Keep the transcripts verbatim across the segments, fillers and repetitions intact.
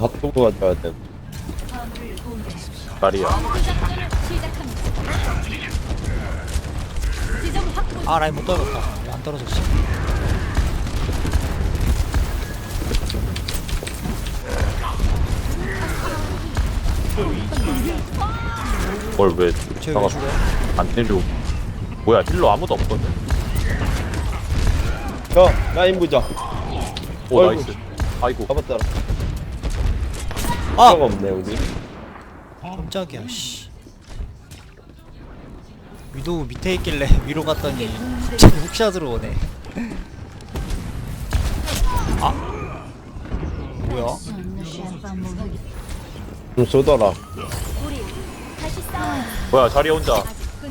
핫도그 가져야 돼. 말이야. 아 라인 못 떨어졌다. 왜 안 떨어졌지? 뭘 왜? 쟤왜 나가 죽어요? 안 내려. 뭐야 힐러 아무도 없거든. 형 라인 보자. 오 아이고. 나이스. 아이고. 잡았다. 아! 가 없네 우리. 깜짝이야 씨. 위도 밑에 있길래 위로 갔더니 쟤 훅샷으로 오네. 아? 뭐야? 좀 쏘더라. 뭐야 자리에 혼자.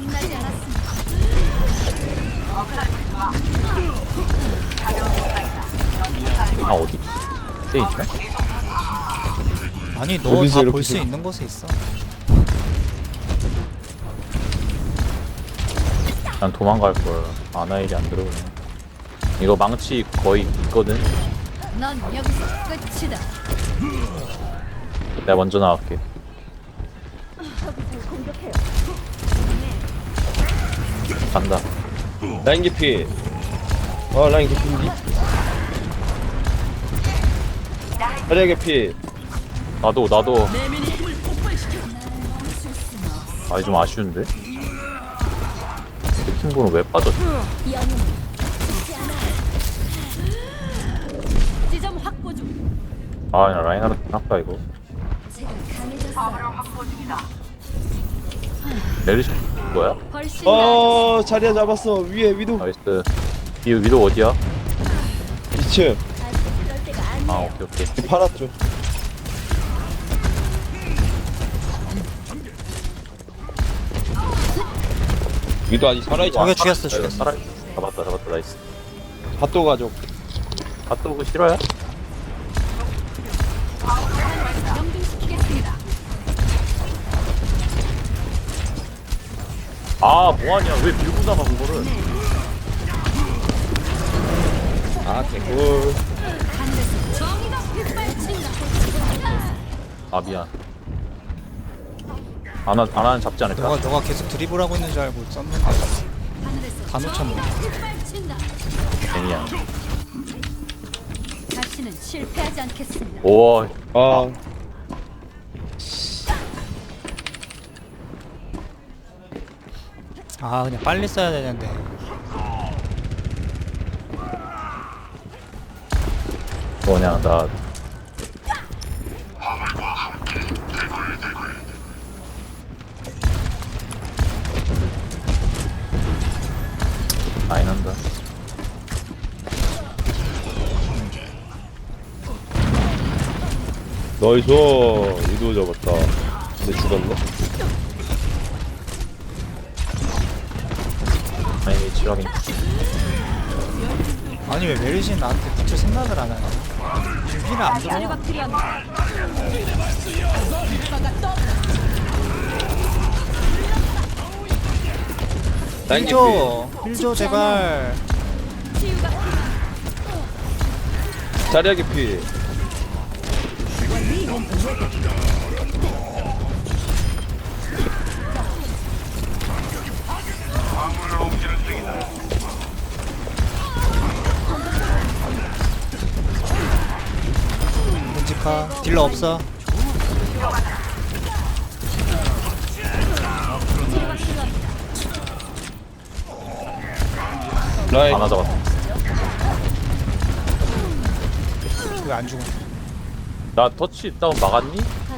아 어디? 쟤 있나? 아니 너 어디서 다 이렇게 볼 수 좀- 있는 곳에 있어. 난 도망갈 걸. 아나일이 안 들어오네. 이거 망치 거의 있거든. 넌 여기서 끝이다. 내가 먼저 나갈게. 간다. 라인 깊이. 어 라인 깊인지. 자리야 깊이. 나도 나도. 아니 좀 아쉬운데. 팀보는 왜 빠졌지? 지점 확보 중. 아나 라인하르트 아까 이거. 메르시 뭐야? 훨씬 어 자리야 잡았어. 위에 위도. 나이스. 이 위도 어디야? 이 층. 그럴 때가 아니야. 아 오케이 오케이. 팔았죠. 위도 아직 살아있지. 저게 죽였어 내가 죽였어. 살아. 잡았다 잡았다 나이스. 핫도그 가져. 핫도그 싫어요? 명중시키겠습니다. 아 뭐하냐 왜 밀고 나가 그거를. 아 개꿀. 하늘에서 정의가 빗발친다. 아 미안. 아나 아나는 잡지 않을까? 너가 너가 계속 드리블하고 있는 줄 알고 썼는데 하늘에서 다 놓쳤네. 빗발친다. 괜히야. 다시는 실패하지 않겠습니다. 오 아 아 그냥 빨리 써야 되는데. 뭐냐 나 많이 난다. 나이스. 위도 잡았다. 근데 죽었네. 아니 지렁이. 아니 왜 메르시 나한테 붙을 생각을 안 하냐? 지금 힐을 안 들어. 자료가 필요합니다. 라인 깊이. 힐줘 힐줘 제발. 치유가 필요합니다. 자리야 깊이. 끔찍하 딜러 없어. 라인. 아나 잡았다. 왜 안 죽어? 나 터치 다운 막았니?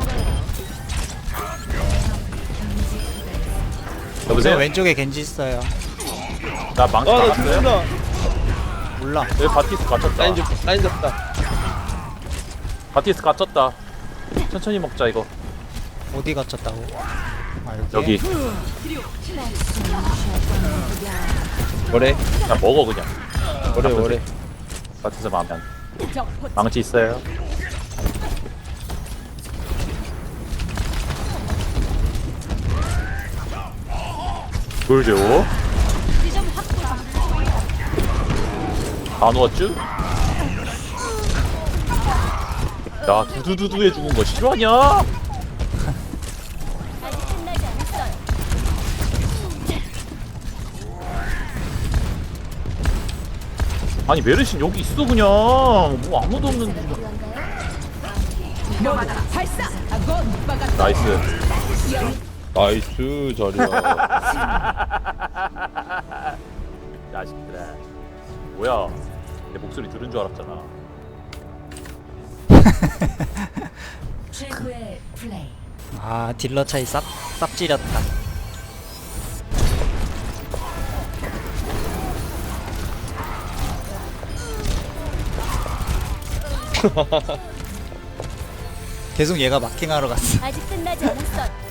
저 여보세요? 왼쪽에 겐지 있어요. 나 망치 아나 막았어요? 죽는다. 몰라. 여기 바티스 갇혔다. 라인 잡 라인 잡다. 바티스 갇혔다. 천천히 먹자 이거. 어디 갇혔다고? 아 여기. 여기. 뭐래? 그냥 먹어 그냥. 뭐래 뭐래. 바티스 마음에 안. 적 망치 있어요? 돌죠. 지점 확보 중. 다 누웠쥬? 나 두두두두 해주는 거 싫어하냐? 아직 끝나지 않았어요. 아니 메르신 여기 있어 그냥 뭐 아무도 없는데. 나이스. 나이스 자리야. 야식들아. 뭐야? 내 목소리 들은 줄 알았잖아. 최고의 플레이. 아 딜러 차이 쌉 쌉지렸다. 계속 얘가 마킹하러 갔어. 아직 끝나지 않았어요.